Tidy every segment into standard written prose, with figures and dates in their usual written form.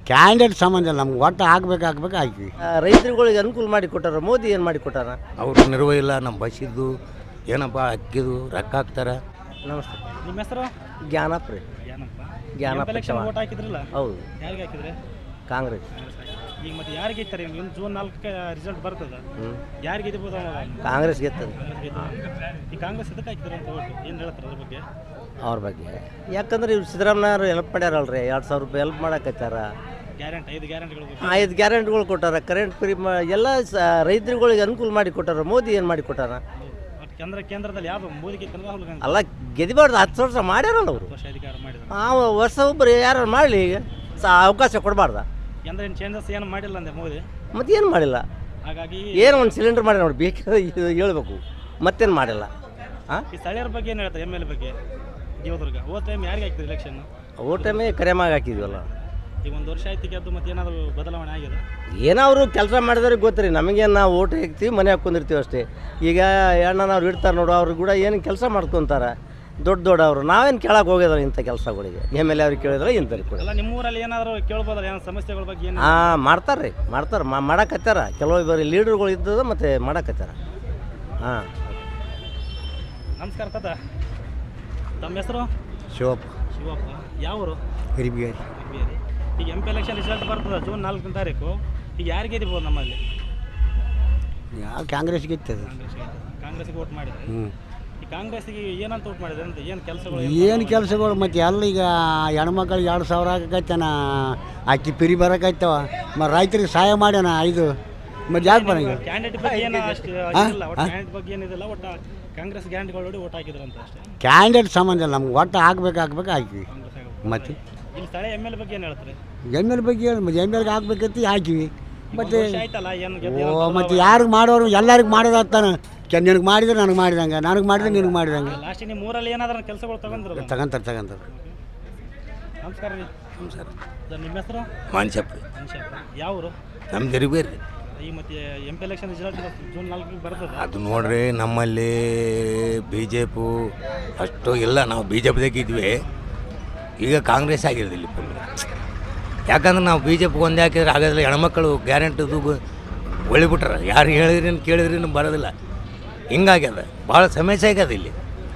Candidate ಸಂಬಂಧ ಇಲ್ಲ, ನಮ್ಗೆ ಒಟ್ಟು ಹಾಕ್ಬೇಕು ಹಾಕಿ. ರೈತರುಗಳಿಗೆ ಅನುಕೂಲ ಮಾಡಿ ಕೊಟ್ಟಾರ, ಮೋದಿ ಏನು ಮಾಡಿ ಕೊಟ್ಟಾರ? ಅವರು ನೆರವು ಇಲ್ಲ, ನಮ್ಮ ಬಸ್ಸಿದ್ದು ಏನಪ್ಪ ಅಕ್ಕಿದು ರೊಕ್ಕ ಹಾಕ್ತಾರೆ. ನಮಸ್ತೆ, ನಿಮ್ಮ ಹೆಸರು? ಜ್ಞಾನಪ್ಪ ರೀ. ಜ್ಞಾನಪ್ಪ ಎಲೆಕ್ಷನ್ ಚವ್ಹಾಣ್. ವೋಟ್ ಹಾಕಿದ್ರಲ್ಲ, ಹೌದು, ಯಾರಿಗೆ ಹಾಕಿದ್ರೆ? ಕಾಂಗ್ರೆಸ್. ಈಗ ಮತ್ತೆ ಯಾರಿಗೆ ಗೆತ್ತಾರೆ? ಇನ್ನು ಜೂನ್ 4ಕ್ಕೆ ರಿಸಲ್ಟ್ ಬರ್ತದ, ಯಾರಿಗೆ ಗೆದ್ಬೋದು? ಕಾಂಗ್ರೆಸ್ ಗೆತ್ತದ. ಈ ಕಾಂಗ್ರೆಸ್ ಇದಕ್ಕೆ ಹಾಕಿದ್ರೆ ಅಂತ ಓಟು ಏನು ಹೇಳ್ತಾರೆ ಅದ್ರ ಬಗ್ಗೆ? ಅವ್ರ ಬಗ್ಗೆ ಯಾಕಂದ್ರೆ ಇವ್ರು ಸಿದ್ದರಾಮಯ್ಯವ್ರು ಹೆಲ್ಪ್ ಮಾಡ್ಯಾರಲ್ರಿ, 2,000 ರೂಪಾಯಿ ಹೆಲ್ಪ್ ಮಾಡಕತ್ತಾರ. ಗ್ಯಾರಂಟಿ 5 ಗ್ಯಾರಂಟಿಗಳು 5 ಗ್ಯಾರಂಟಿಗಳು ಕೊಟ್ಟಾರ, ಕರೆಂಟ್ ಫ್ರೀ ಎಲ್ಲ ರೈತರುಗಳಿಗೆ ಅನುಕೂಲ ಮಾಡಿ ಕೊಟ್ಟಾರ. ಮೋದಿ ಏನು ಮಾಡಿ ಕೊಟ್ಟಾರ? ಕೇಂದ್ರದಲ್ಲಿ ಯಾವುದು ಮೋದಿಗೆ ರಾಹುಲ್ ಗಾಂಧಿ ಅಲ್ಲ, ಗೆದಿಬಾರ್ದು, 10 ವರ್ಷ ಮಾಡ್ಯಾರಲ್ಲ ಅವರು. ವರ್ಷ ಅಧಿಕಾರ ಮಾಡಿದ್ರು. ಆ ವರ್ಷ ಒಬ್ಬರು ಯಾರು ಮಾಡಲಿ, ಅವಕಾಶ ಕೊಡಬಾರ್ದ. ಅಂದ್ರೆ ಏನು ಚೇಂಜಸ್ ಏನು ಮಾಡಿಲ್ಲ ಅಂದೆ ಮೋದಿ, ಮತ್ತೆ ಏನು ಮಾಡಿಲ್ಲ. ಹಾಗಾಗಿ ಏನು ಒಂದು ಸಿಲಿಂಡರ್ ಮಾಡಿ ನೋಡಿ, ಬೇಕಾದ್ರೆ ಹೇಳ್ಬೇಕು, ಮತ್ತೇನು ಮಾಡಿಲ್ಲ. ಹಾಂ, ಈ ಸ್ಥಳೀಯರ ಬಗ್ಗೆ ಏನು ಹೇಳ್ತಾರೆ? MLA ಬಗ್ಗೆ ದೇವದುರ್ಗ ಹೋದ ಟೈಮ್ ಯಾರಿಗೆ ಹಾಕಿದ್ರು ಎಲೆಕ್ಷನ್? ಓ ಟೈಮೇ ಕರೆಮಾಗಿ ಹಾಕಿದ್ವಲ್ಲ. ಈಗ 1 ವರ್ಷ ಆಯ್ತು ಗೆದ್ದು, ಮತ್ತೆ ಏನಾದರೂ ಬದಲಾವಣೆ ಆಗಿದೆ? ಏನೋ ಅವರು ಕೆಲಸ ಮಾಡಿದವ್ರಿಗೆ ಗೊತ್ತಿರಿ, ನಮಗೇನು ನಾವು ಓಟ್ ಹಾಕ್ತೀವಿ, ಮನೆ ಹಾಕ್ಕೊಂಡಿರ್ತೀವಿ ಅಷ್ಟೇ. ಈಗ ಅಣ್ಣನವ್ರು ಇಡ್ತಾರೆ ನೋಡು, ಅವ್ರು ಕೂಡ ಏನು ಕೆಲಸ ಮಾಡ್ಕೊತಾರೆ ದೊಡ್ಡವರು. ನಾವೇನು ಕೇಳಕ್ಕೆ ಹೋಗಿದ್ರೆ ಇಂಥ ಕೆಲಸಗಳಿಗೆ MLA ಅವ್ರಿಗೆ ಕೇಳಿದ್ರೆ ಇಂಥವ್ರಿಗೆ ಕೂಡ. ಅಲ್ಲ, ನಿಮ್ಮೂರಲ್ಲಿ ಏನಾದರೂ ಕೇಳ್ಬೋದಲ್ಲ, ಏನೋ ಸಮಸ್ಯೆಗಳ ಬಗ್ಗೆ ಏನು? ಹಾಂ, ಮಾಡ್ತಾರೆ ರೀ, ಮಾಡಕತ್ತಾರ. ಕೆಲವೊಬ್ಬರು ಲೀಡರ್ಗಳು ಇದ್ದದ ಮತ್ತು ಮಾಡಕತ್ತಾರ. ಹಾಂ, ನಮಸ್ಕಾರ ತಾತ, ತಮ್ಮ ಹೆಸರು? ಶಿವಪ್ಪ ಶಿವಪ್ಪ. ಯಾವರು? ಹಿರಿಬಿಯರಿ. ಈಗ MP ಎಲೆಕ್ಷನ್ ರಿಸಲ್ಟ್ ಬರ್ತದೆ ಜೂನ್ 4ನೇ ತಾರೀಕು. ಈಗ ಯಾರಿಗೆ ಗೆದ್ದಿಬೋದು ನಮ್ಮಲ್ಲಿ? ಯಾವ ಕಾಂಗ್ರೆಸ್ ಗೆತ್ತದ? ಕಾಂಗ್ರೆಸ್ಗೆ ವೋಟ್ ಮಾಡಿದ್ರೆ. ಈ ಕಾಂಗ್ರೆಸ್ಗೆ ಏನಂತ ವೋಟ್ ಮಾಡಿದ್ರೆ ಅಂತ? ಏನು ಕೆಲಸಗಳು? ಏನು ಕೆಲಸಗಳು ಮತ್ತೆ ಎಲ್ಲ ಈಗ ಹೆಣ್ಮಕ್ಳಿಗೆ 2,000 ಆಗಕೈತನ, ಅಕ್ಕಿ ಪಿರಿ ಬರೋಕೈತವ, ಮತ್ತು ರೈತರಿಗೆ ಸಹಾಯ ಮಾಡ್ಯಾನ 5. ಮತ್ತು ಯಾಕೆ ಬರಂಗ? ಕ್ಯಾಂಡಿಡೇಟ್ ಬಗ್ಗೆ ಏನು ಅಷ್ಟು ಇಲ್ಲ, ಒಟ್ಟು ಕ್ಯಾಂಡಿಡೇಟ್ ಬಗ್ಗೆ ಏನಿದಿಲ್ಲ, ಒಟ್ಟು ಕಾಂಗ್ರೆಸ್ ಗ್ಯಾರಂಟಿಗಳು ನೋಡಿ ವೋಟ್ ಹಾಕಿದ್ರು ಅಂತ ಅಷ್ಟೇ. ಕ್ಯಾಂಡಿಡೇಟ್ ಸಂಬಂಧ ಇಲ್ಲ, ನಮ್ಗೆ ಒಟ್ಟು ಹಾಕ್ಬೇಕು ಹಾಕಿ. ಕಾಂಗ್ರೆಸ್ ಆಗೋದು. ಮತ್ತೆ ಇಲ್ಲಿ ಸ್ಥಳೀಯ MLA ಬಗ್ಗೆ ಏನು ಹೇಳ್ತಾರೆ? MLA ಬಗ್ಗೆ ಹೇಳಿ, ಮತ್ತೆ MLAಗೆ ಹಾಕ್ಬೇಕಂತ ಹಾಕಿವಿ. ಮತ್ತು ಆಯ್ತಲ್ಲ, ಏನು ಮತ್ತು ಯಾರಿಗೆ ಮಾಡೋರು ಎಲ್ಲರಿಗೆ ಮಾಡೋದಾಗ್ತಾನೆ. ನಿನಗೆ ಮಾಡಿದ್ರೆ ನನಗೆ ಮಾಡಿದಂಗೆ, ನನಗೆ ಮಾಡಿದ್ರೆ ನಿನಗೆ ಮಾಡಿದಂಗೆ. ಲಾಸ್ಟ್ ನಿಮ್ಮ ಊರಲ್ಲಿ ಏನಾದ್ರೂ ಕೆಲಸಗಳು ತಗೊಂಡ್ರಲ್ಲ? ತಗೊಂತಾರೆ. ನಮಸ್ಕಾರ ರೀ. ನಮಸ್ಕಾರ. ನಿಮ್ಮ ಹೆಸರು? ಮಾನ್ಸಪ್ಪ. ಯಾವ ಊರು? ನಮ್ಮ ಜರಿಬೇರಿ. ಈ ಮತ್ತೆ MP ಎಲೆಕ್ಷನ್ ರಿಸಲ್ಟ್ ಜೂನ್ 4ಕ್ಕೆ ಬರ್ತದೆ. ಅದು ನೋಡ್ರಿ, ನಮ್ಮಲ್ಲಿ BJP ಅಷ್ಟು ಇಲ್ಲ, ನಾವು BJPದಾಗ ಇದ್ವಿ. ಈಗ ಕಾಂಗ್ರೆಸ್ ಆಗಿರೋದು ಇಲ್ಲಿ ಫುಲ್. ಯಾಕಂದ್ರೆ ನಾವು BJP ಒಂದೇ ಹಾಕಿದ್ರೆ ಆಗೋದಿಲ್ಲ. ಹೆಣ್ಮಕ್ಳು ಗ್ಯಾರಂಟಿದು ಒಳಿಬಿಟ್ರೆ ಯಾರು ಹೇಳಿದ್ರೇನು ಕೇಳಿದ್ರೇನು ಬರೋದಿಲ್ಲ. ಹಿಂಗಾಗ್ಯದ, ಭಾಳ ಸಮಸ್ಯೆ ಆಗ್ಯದ ಇಲ್ಲಿ.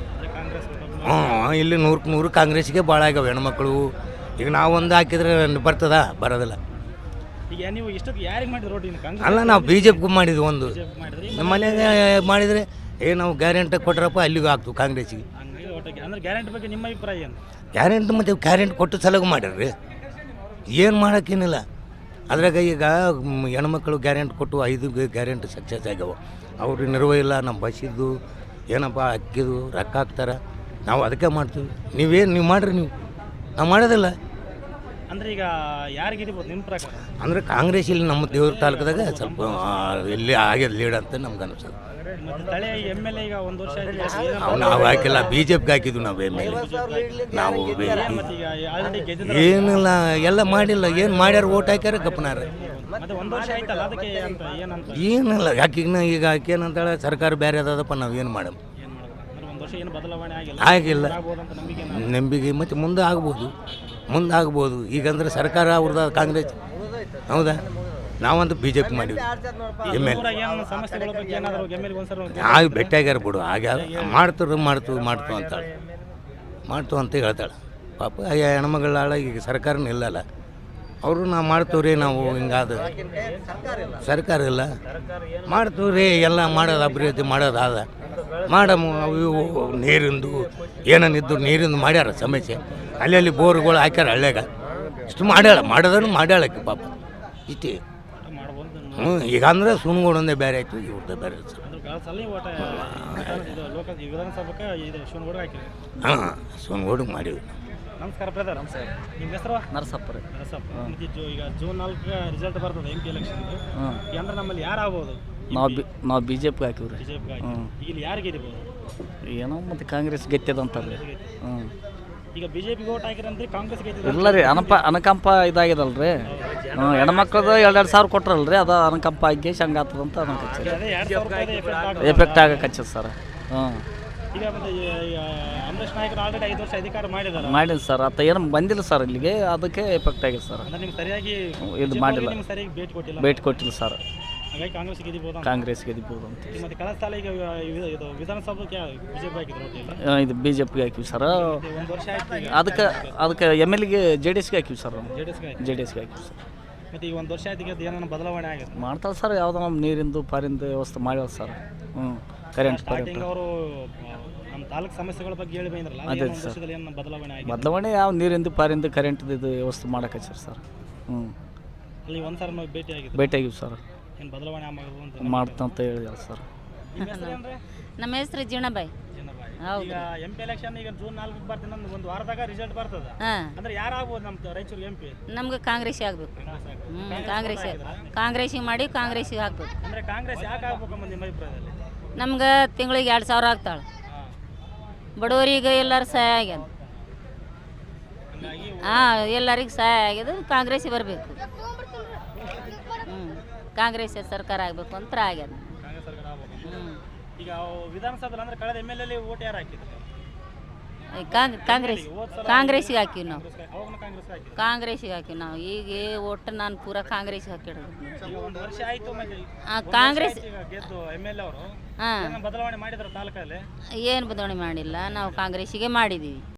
ಇಲ್ಲಿ 100ಕ್ಕೆ 100 ಕಾಂಗ್ರೆಸ್ಗೆ ಭಾಳ ಆಗ್ಯಾವ ಹೆಣ್ಮಕ್ಳು. ಈಗ ನಾವು ಒಂದು ಹಾಕಿದ್ರೆ ಬರ್ತದ, ಬರೋದಿಲ್ಲ. ಈಗ ನೀವು ಇಷ್ಟಕ್ಕೆ ಯಾರಿಗೆ ಮಾಡಿದ್ರು ರೋಡ್? ಕಾಂಗ್ರೆಸ್ ಅಲ್ಲ, ನಾವು BJPಗೂ ಮಾಡಿದ್ವಿ ಒಂದು. ಮಾಡಿದ್ರಿ. ನಮ್ಮ ಮನೆಗೆ ಮಾಡಿದರೆ ನಾವು ಗ್ಯಾರಂಟಿ ಕೊಟ್ರಪ್ಪ ಅಲ್ಲಿಗೂ ಆಗ್ತೀವಿ ಕಾಂಗ್ರೆಸ್ಸಿಗೆ. ಹಂಗಾಗಿ ಓಟಾಗಿ ಅಂದ್ರೆ ಗ್ಯಾರಂಟಿ ಬಗ್ಗೆ ನಿಮ್ಮ ಅಭಿಪ್ರಾಯ ಏನು? ಗ್ಯಾರಂಟಿ ಮತ್ತು ಗ್ಯಾರಂಟಿ ಕೊಟ್ಟು ಸಲಗು ಮಾಡ್ಯಾರ್ರಿ, ಏನು ಮಾಡೋಕ್ಕೇನಿಲ್ಲ. ಅದ್ರಾಗ ಈಗ ಹೆಣ್ಮಕ್ಳು ಗ್ಯಾರಂಟಿ ಕೊಟ್ಟು 5 ಗ್ಯಾರಂಟಿ ಸಕ್ಸಸ್ ಆಗ್ಯಾವ. ಅವ್ರಿಗೆ ನೆರವು ಇಲ್ಲ, ನಮ್ಮ ಬಸ್ಸಿದ್ದು ಏನಪ್ಪ ಅಕ್ಕಿದು ರೊಕ್ಕ ಹಾಕ್ತಾರೆ. ನಾವು ಅದಕ್ಕೆ ಮಾಡ್ತೀವಿ. ನೀವು ಮಾಡಿರಿ, ನಾವು ಮಾಡೋದಿಲ್ಲ. ಅಂದ್ರೆ ಈಗ ಯಾರಿಗೆ ಗೆದ್ದಿಬೋದು ನಿಮ್ಮ ಪ್ರಕಾರ? ಅಂದರೆ ಕಾಂಗ್ರೆಸ್ ಇಲ್ಲಿ ನಮ್ಮ ದೇವ್ರ ತಾಲೂಕದಾಗ ಸ್ವಲ್ಪ ಎಲ್ಲಿ ಆಗ್ಯದ ಲೀಡ್ ಅಂತ ನಮ್ಗೆ ಅನಿಸ್ತದೆ. ಮತ್ತೆ ಸ್ಥಳೀಯ MLA ಈಗ 1 ವರ್ಷ ಆಯ್ತು, ನಾವು ಹಾಕಿಲ್ಲ, BJPಗೆ ಹಾಕಿದ್ವಿ ನಾವು MLA. ನಾವು ಮತ್ತೆ ಈಗ ಆಲ್ರೆಡಿ ಗೆದ್ದಿದ್ರು. ಏನಿಲ್ಲ, ಎಲ್ಲ ಮಾಡಿಲ್ಲ. ಏನು ಮಾಡ್ಯಾರ, ಓಟ್ ಹಾಕ್ಯಾರ ಗಪ್ಪನಾರ. ಮತ್ತೆ 1 ವರ್ಷ ಆಯ್ತಲ್ಲ, ಅದಕ್ಕೆ ಅಂತ ಏನಂತ? ಏನಿಲ್ಲ, ಯಾಕೀಗ ಆಕೇನಂತಾಳೆ ಸರ್ಕಾರ ಬೇರೆ ಅದಪ್ಪ, ನಾವು ಏನು ಮಾಡಮ್? ಏನು ಮಾಡೋದು ಅಂದ್ರೆ 1 ವರ್ಷ ಏನು ಬದಲಾವಣೆ ಆಗಿಲ್ಲ. ಆಗ್ಬೋದಂತ ನಂಬಿಕೆ? ನಂಬಿಕೆ ಮತ್ತು ಮುಂದೆ ಆಗ್ಬೋದು. ಈಗಂದ್ರೆ ಸರ್ಕಾರ ಅವ್ರದ್ದು ಕಾಂಗ್ರೆಸ್, ಹೌದಾ? ನಾವಂತೂ BJP ಮಾಡಿವಿ. ಏನು ಸಮಸ್ಯೆಗಳ ಬಗ್ಗೆ ಏನಾದರೂ MLA ಒಂದ್ಸಲ ನಾವು ಭೇಟಿಯಾಗ್ಯಾರ ಬಿಡು, ಆಗ್ಯಾರ ಮಾಡ್ತು ಅಂತಾಳೆ, ಅಂತ ಹೇಳ್ತಾಳೆ. ಪಾಪ ಹೆಣ್ಮಗಳಾಳ ಈಗ ಸರ್ಕಾರನೂ ಇಲ್ಲಲ್ಲ, ಅವರು ನಾವು ಮಾಡ್ತೀವ್ರಿ, ನಾವು ಹಿಂಗಾದ ಸರ್ಕಾರ ಇಲ್ಲ, ಮಾಡ್ತೀವ್ರಿ, ಎಲ್ಲ ಮಾಡೋದು ಅಭಿವೃದ್ಧಿ ಮಾಡೋದಾದ ಅವು ನೀರಿಂದು ಏನೇನಿದ್ದು ನೀರಿಂದು ಮಾಡ್ಯಾರ ಸಮಸ್ಯೆ. ಅಲ್ಲಿ ಬೋರ್ಗಳು ಹಾಕ್ಯಾರ ಹಳ್ಳ್ಯಾಗ. ಇಷ್ಟು ಮಾಡ್ಯಾಳಕ್ಕೆ ಪಾಪ ಇಷ್ಟೇ. ಈಗ ಅಂದ್ರೆ ಸುಣ್ಗೋಡೊಂದೇ ಬೇರೆ ಆಯಿತು, ಇವ್ರದ್ದೇ ಬೇರೆ. ಹಾಂ, ಸುಣ್ಗೋಡಿಗೆ ಮಾಡೀವಿ. ನಮಸ್ಕಾರ ಬ್ರದರ್. ನಮಸ್ಕಾರ. ನಿಮ್ಮ ಹೆಸರು? ನರಸಪ್ಪ ರೀ. ಈಗ ಜೂನ್ 4ಕ್ಕೆ ರಿಸಲ್ಟ್ ಬರ್ತದೆ MP ಎಲೆಕ್ಷನ್. ಅಂದ್ರೆ ನಮ್ಮಲ್ಲಿ ಯಾರು ಆಗ್ಬೋದು? ನಾವು BJPಗೆ ಹಾಕಿವ್ರಿ. ಇಲ್ಲಿ ಯಾರು ಗೆದ್ದಿಬೋದು? ಏನೋ ಮತ್ತು ಕಾಂಗ್ರೆಸ್ ಗೆತ್ತದಂತಾರೆ. ಈಗ BJPಗೆ ವೋಟ್ ಹಾಕಿರಂದ್ರೆ ಕಾಂಗ್ರೆಸ್ ಗೆದ್ದಿದೆ. ಇಲ್ಲ ರೀ, ಅನುಕಂಪ ಇದಾಗಿದಲ್ರಿ. ಹೆಣ್ಮಕ್ಳದು 2,000 ಸಾವಿರ ಕೊಟ್ರಲ್ರಿ, ಅದು ಅನುಕಂಪ ಆಗಿ ಹಂಗಾತದಂತ ಅದೇ 2,000 ರೂಪಾಯಿ ಎಫೆಕ್ಟ್ ಆಗಕ್ಕೆ ಹಚ್ಚದ ಸರ್. ಈಗ ಮತ್ತೆ ಈ ಅಂಬರೀಷ್ ನಾಯಕರು ಆಲ್ರೆಡಿ 5 ವರ್ಷ ಅಧಿಕಾರ ಮಾಡಿದಾರೆ. ಮಾಡಿದ ಸರ್ ಆತ ಏನು ಬಂದಿಲ್ಲ ಸರ್ ಇಲ್ಲಿಗೆ, ಅದಕ್ಕೆ ಎಫೆಕ್ಟ್ ಆಗಿದೆ ಸರ್. ಅಂದ್ರೆ ನಿಮ್ಗೆ ಸರಿಯಾಗಿ ಇದು ಮಾಡಿಲ್ಲ, ನಿಮ್ಗೆ ಸರಿಯಾಗಿ ಭೇಟಿ ಕೊಟ್ಟಿಲ್ಲ, ಭೇಟಿ ಕೊಟ್ಟಿಲ್ಲ ಸರ್. ಹಾಗಾಗಿ ಕಾಂಗ್ರೆಸ್ ಗೆದ್ದಿಬೋದು ಅಂತ. ಕಾಂಗ್ರೆಸ್ ಗೆದ್ದಿಬೋದು ಅಂತ. ಮತ್ತೆ ಕಳೆದ ಸಾಲ ಈಗ ಇದು ವಿಧಾನಸಭೆಗೆ ಬಿಜೆಪಿ ಹಾಕಿದ್ರು ಒಟ್ಟಿಗೆ. ಇದು ಬಿ ಜೆ ಪಿಗೆ ಹಾಕಿವಿ ಸರ್. 1 ವರ್ಷ ಆಯ್ತು ಈಗ. ಅದಕ್ಕೆ ಎಮ್ ಎಲ್ ಗೆ ಜೆ ಡಿ ಎಸ್ಗೆ ಹಾಕಿವಿ ಸರ್. ಜೆಡಿಎಸ್ಗೆ ಆಯ್ತು. ಜೆ ಡಿ ಎಸ್ಗೆ ಹಾಕಿವಿ ಸರ್. ಮತ್ತೆ ಈಗ 1 ವರ್ಷ ಆಯ್ತು, ಈಗ ಏನಾರ ಬದಲಾವಣೆ ಆಗಿದೆ? ಮಾಡ್ತಾರೆ ಸರ್, ಯಾವುದೋ ನಮ್ಮ ನೀರಿಂದು ಪಾರಿಂದು ವ್ಯವಸ್ಥೆ ಮಾಡ್ಯಾವ ಸರ್. ಕರೆಂಟ್ ಸ್ಟಾರ್ಟಿಂಗ್ ಅವರು ನಮ್ಮ ತಾಲೂಕು ಸಮಸ್ಯೆಗಳ ಬಗ್ಗೆ ಹೇಳಿ ಬಂದ್ರಲ್ಲ, ಅದೇ ಒಂದು ವರ್ಷದಲ್ಲಿ ಏನು ಬದಲಾವಣೆ ಆಗಿದೆ? ಬದಲಾವಣೆ ಯಾವ ನೀರಿಂದು ಪಾರಿಂದು ಕರೆಂಟ್ದು ಇದು ವ್ಯವಸ್ಥೆ ಮಾಡಕ್ಕೆ ಸರ್. ಅಲ್ಲಿ ಒಂದ್ಸಲ ನಾವು ಭೇಟಿ ಆಗಿದೆ, ಭೇಟಿ ಆಗಿವಿ ಸರ್. ಏನು ಬದಲಾವಣೆ ಆಗೋದು ಅಂತ ಮಾಡ್ತಂತ ಹೇಳಿದಾರೆ ಸರ್. ನಿಮ್ಮ ಹೆಸರು ಏನ್ರಿ? ನಮ್ಮ ಹೆಸರು ಜೀಣಬಾಯಿ. ಹೌದು. ಈಗ MP ಎಲೆಕ್ಷನ್ ಈಗ ಜೂನ್ 4ಕ್ಕೆ ಬರ್ತೀನಿ, ಒಂದು ವಾರದಾಗ ರಿಸಲ್ಟ್ ಬರ್ತದೆ. ಹಾಂ, ಅಂದ್ರೆ ಯಾರು ಆಗ್ಬೋದು ನಮ್ಮ ರಾಯಚೂರು MP? ನಮ್ಗೆ ಕಾಂಗ್ರೆಸ್ ಆಗಬೇಕು. ಕಾಂಗ್ರೆಸ್ಸಿಗೆ ಮಾಡಿ ಕಾಂಗ್ರೆಸ್ಸಿಗೆ ಹಾಕ್ಬೇಕು. ಅಂದ್ರೆ ಕಾಂಗ್ರೆಸ್ ಯಾಕೆ ಆಗ್ಬೇಕು ಅನ್ನೋದು ನಿಮ್ಮ ಅಭಿಪ್ರಾಯದಲ್ಲಿ? ನಮ್ಗೆ ತಿಂಗಳಿಗೆ 2,000 ಆಗ್ತಾಳೆ. ಬಡವರಿಗೆ ಎಲ್ಲರೂ ಸಹಾಯ ಆಗ್ಯದ. ಹಾಂ, ಎಲ್ಲರಿಗೆ ಸಹಾಯ ಆಗ್ಯದ. ಕಾಂಗ್ರೆಸ್ಸಿಗೆ ಬರಬೇಕು. ಕಾಂಗ್ರೆಸ್ ಸರ್ಕಾರ ಆಗಬೇಕು ಅಂತ ಆಗ್ಯದ. ಕಾಂಗ್ರೆಸ್ ಸರ್ಕಾರ ಆಗ್ಬೇಕು. ಈಗ ವಿಧಾನಸಭೆ ಅಂದ್ರೆ ಕಳೆದ MLA ಓಟ್ ಯಾರು ಹಾಕಿದ್ರು? ಕಾಂಗ್ರೆಸ್ಸಿಗೆ ಹಾಕಿವಿ ನಾವು. ಅವಾಗ ಕಾಂಗ್ರೆಸ್ ಹಾಕಿದ್ರು. ಕಾಂಗ್ರೆಸ್ಸಿಗೆ ಹಾಕಿವಿ ನಾವು. ಈಗ ಒಟ್ಟು ನಾನು ಪೂರಾ ಕಾಂಗ್ರೆಸ್ಸಿಗೆ ಹಾಕಿಡೋದು. ಈಗ 1 ವರ್ಷ ಆಯ್ತು, ಮತ್ತೆ ಕಾಂಗ್ರೆಸ್ ಈಗ ಗೆದ್ದು MLA ಅವರು ಹಾಂ, ಬದಲಾವಣೆ ಮಾಡಿದ್ರು ತಾಲೂಕಲ್ಲಿ. ಏನು ಬದಲಾವಣೆ ಮಾಡಿಲ್ಲ, ನಾವು ಕಾಂಗ್ರೆಸ್ಸಿಗೆ ಮಾಡಿದ್ದೀವಿ.